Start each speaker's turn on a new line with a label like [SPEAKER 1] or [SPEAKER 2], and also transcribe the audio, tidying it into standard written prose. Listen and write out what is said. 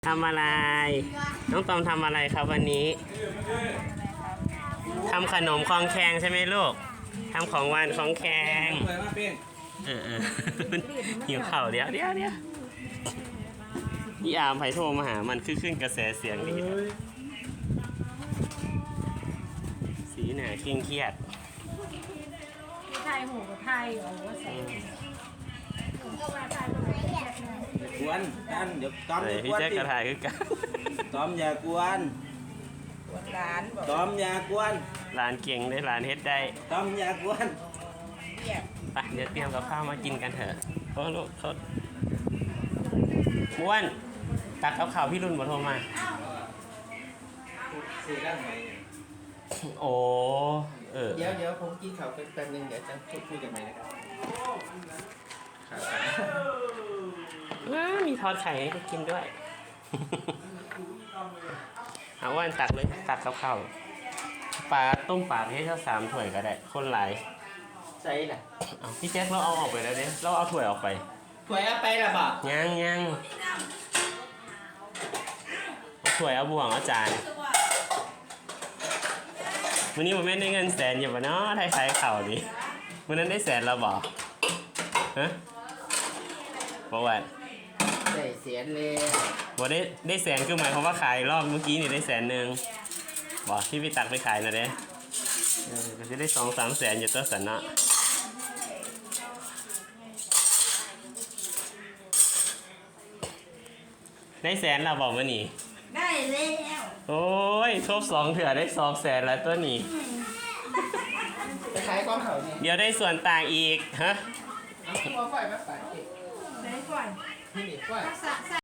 [SPEAKER 1] ทำอะไรน้องตอมทำอะไรครับวันนี้ทำขนมคองแคงใช่ไหมลูกทำของหวานของแคงหิวข่าวเดี๋ยวพี่อาร์มไผ่โทรมาหามันขึ้นกระแสเสียงดีสีหนาเคร่งเครียด
[SPEAKER 2] ไทยหูกับไทยโอ้โหใส่
[SPEAKER 3] กวนกันเดี๋ยวต้อมอย่าก
[SPEAKER 1] พี่
[SPEAKER 3] วน
[SPEAKER 1] แจ๊กกระถ่ายคือกัน
[SPEAKER 3] ต้อมอย่ากวน
[SPEAKER 2] ร้านบอก
[SPEAKER 3] ต้อมอย่ากวน
[SPEAKER 1] หลานเก่งได้หลานเฮ็ดได้
[SPEAKER 3] ต้อมอย่ากวน
[SPEAKER 1] ไปเดี๋ยวเตรียมกับข้าวมากินกันเถอะโอ้ลูกเขาม้วนตักกับข้าวพี่รุ่นมาโทรมา
[SPEAKER 3] สื่อด้านไหน
[SPEAKER 1] โอ้
[SPEAKER 3] เดี๋ยวผมกินข้าวแป๊บนึงเดี๋ยวจะคุยกันใหม่นะครับ
[SPEAKER 1] มีทอดไข่ให้กินด้วย เอาว่านตักเลยตักกับข้าวปลาต้มปลาให้เท่า3 ถ้วยก็ได้คนหลาย
[SPEAKER 3] ใส่ละ
[SPEAKER 1] เอาพี่แจ็คเราเอาออกไปแล้วเด้เราเอาถ้วยออกไป
[SPEAKER 3] ถ้วยเอาไปละบ่
[SPEAKER 1] ยังถ้วยเอาบ่วงเอาจานวันนี้ผมไม่ได้เงินแสนอยู่ปะเนาะไทยขายเข่าดิวันนั้นได้แสนเราบอกฮะบอกว่า
[SPEAKER 3] ได้เสียนเลย
[SPEAKER 1] บอกได้แสนคือหมายความว่าขายรอบเมื่อกี้นี่ได้100,000บอกที่พี่ตักไปขายนะเด้ก็จะได้2-3 แสนอยู่ตัวสันเนาะได้แสนเราบอกว่านี่
[SPEAKER 2] ได้แล้ว
[SPEAKER 1] โอ้ยทบ2 เถื่อได้2 แสนแล้วตัวนี้
[SPEAKER 3] ไปขายก้อนเขาเนี่ย
[SPEAKER 1] เดี๋ยวได้ส่วนต่างอีกฮะ
[SPEAKER 3] เอาไฟมาใส่
[SPEAKER 2] ได้ก่อน
[SPEAKER 3] นี่ไฟ
[SPEAKER 2] รักษา